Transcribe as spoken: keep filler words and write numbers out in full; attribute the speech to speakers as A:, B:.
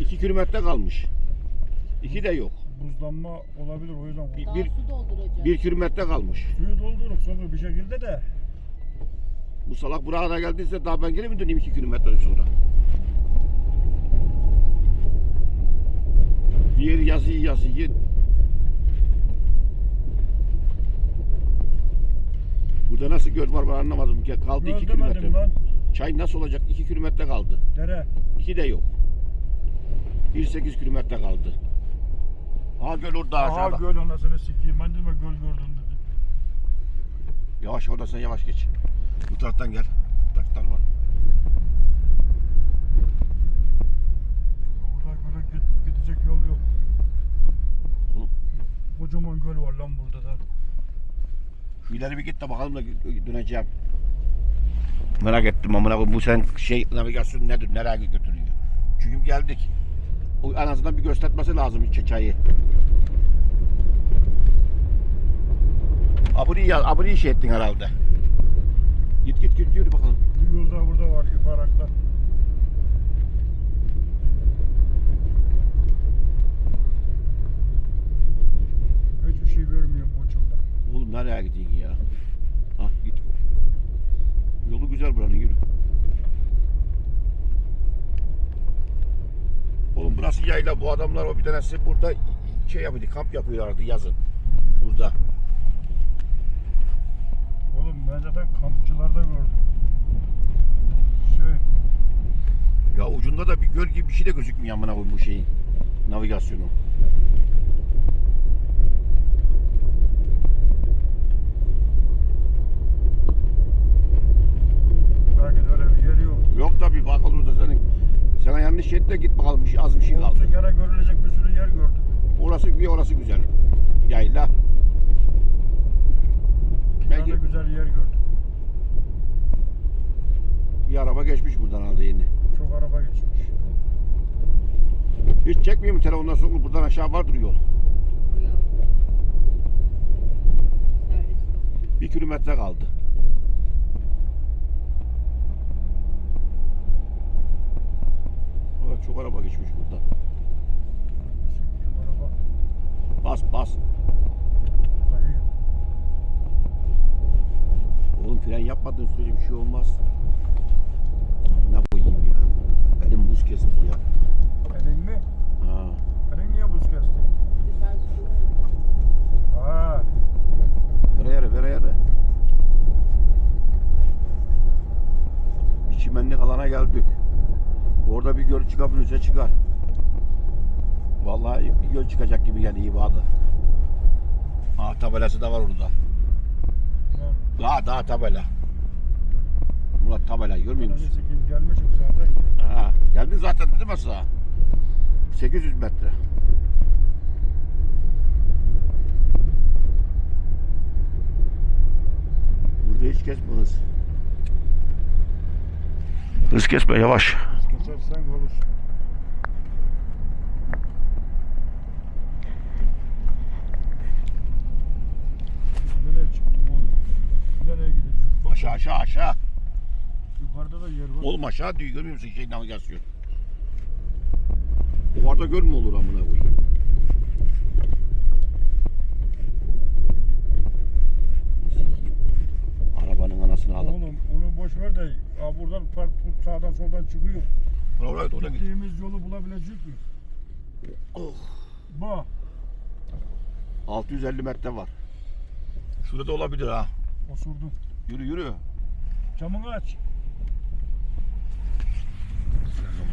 A: iki kilometre kalmış. İki de yok.
B: Buzlanma olabilir o yüzden.
A: Bir,
C: Daha
A: bir,
C: su dolduracak.
A: bir kilometre kalmış.
B: Suyu doldurup sonra bir şekilde de.
A: Bu salak buraya kadar geldiyse daha ben geri mi döneyim iki kilometre sonra? Bir yeri yazıyı yazıyı. Burada nasıl göl var ben anlamadım. Kaldı
B: Göl
A: iki
B: demedim
A: kilometre.
B: lan.
A: Çay nasıl olacak? iki kilometre kaldı.
B: Dere.
A: İki de yok. bir sekiz kilometre kaldı. Aha göl orada
B: Aha
A: aşağıda.
B: göl anasını sikeyim. Ben dedim göl gördüm dedi.
A: Yavaş orada sen yavaş geç. Bu taraftan gel. Bu taraftan var.
B: Orada göle git, gidecek yol yok.
A: Oğlum.
B: Kocaman göl var lan burada da.
A: Şu ileri bir git de bakalım da döneceğim. Merak ettim amına koyayım. Bu sen şey navigasyon nedir? Nereye götürüyor? Çünkü geldik. O en azından bir göstermesi lazım çayı. Abone ya, abone şey ettin herhalde. Git git git yürü bakalım.
B: Bir yol daha burada var yukarıda. Hiçbir şey görmüyorum bu uçumda.
A: Oğlum nereye gidiyorsun ya? Ha git. Yolu güzel buranın yürü. Oğlum burası yayla. Bu adamlar o bir tanesi burada şey yapıyordu, kamp yapıyorlardı yazın. Burada.
B: Oğlum ben zaten kampçılarda gördüm. Şey,
A: Ya ucunda da bir göl gibi bir şey de gözükmüyor amına koyayım bu şeyin navigasyonu.
B: belki de öyle bir yer yok.
A: Yok da bir bakalım da senin. Sana yanlış şey et de git bakalım bir şey, az bir şey kaldı.
B: Olsun gene görülecek bir sürü yer gördük.
A: Orası bir orası güzel. Yayla.
B: Bir
A: Belki
B: tane güzel yer gördük.
A: bir araba geçmiş buradan aldı yeni.
B: Çok araba geçmiş.
A: Hiç çekmiyor mu telefondan sonra buradan aşağı vardır yol.
C: Yok. Servis yok.
A: Bir kilometre kaldı. Evet, çok araba geçmiş buradan.
B: Çok araba
A: Bas bas.
B: kayıyor.
A: Oğlum fren yapmadığın sürece bir şey olmaz. Ne koyayım ya. Benim buz kesti ya.
B: Elin mi?
A: Ha.
B: Elin niye buz kesti?
C: Dışarı su.
B: Ha,
A: Vere yere vere yere. Bir çimenlik alana geldik. Orada bir göl çıkabilirse çıkar. Vallahi bir göl çıkacak gibi geldi iyi bağlı. Ha tabelası da var orada.
B: lan.
A: Daha daha tabela. Murat tabela görmüyor
B: Ananı
A: musun?
B: sikeyim gelmişim zaten.
A: Ha, geldin zaten değil mi sağa? sekiz yüz metre. Burada hiç kesme hız. Hız kesme yavaş.
B: Biz geçersen olur. Nereye çıktım oğlum? Nereye gideceğim?
A: Aşağı aşağı aşağı.
B: Yukarıda da yer var.
A: Oğlum aşağı diyor görmüyor musun şey navigasyon? O arada göl mü olur amına koyayım? Arabanın anasını alalım.
B: Oğlum onu boş ver de aa, buradan park sağdan soldan çıkıyor.
A: Oraya oraya git.
B: Gittiğimiz yolu bulabilecek mi?
A: Oh.
B: Bak.
A: altı yüz elli metre var. Şurada da olabilir ha.
B: Osurdum.
A: Yürü yürü.
B: Camını aç.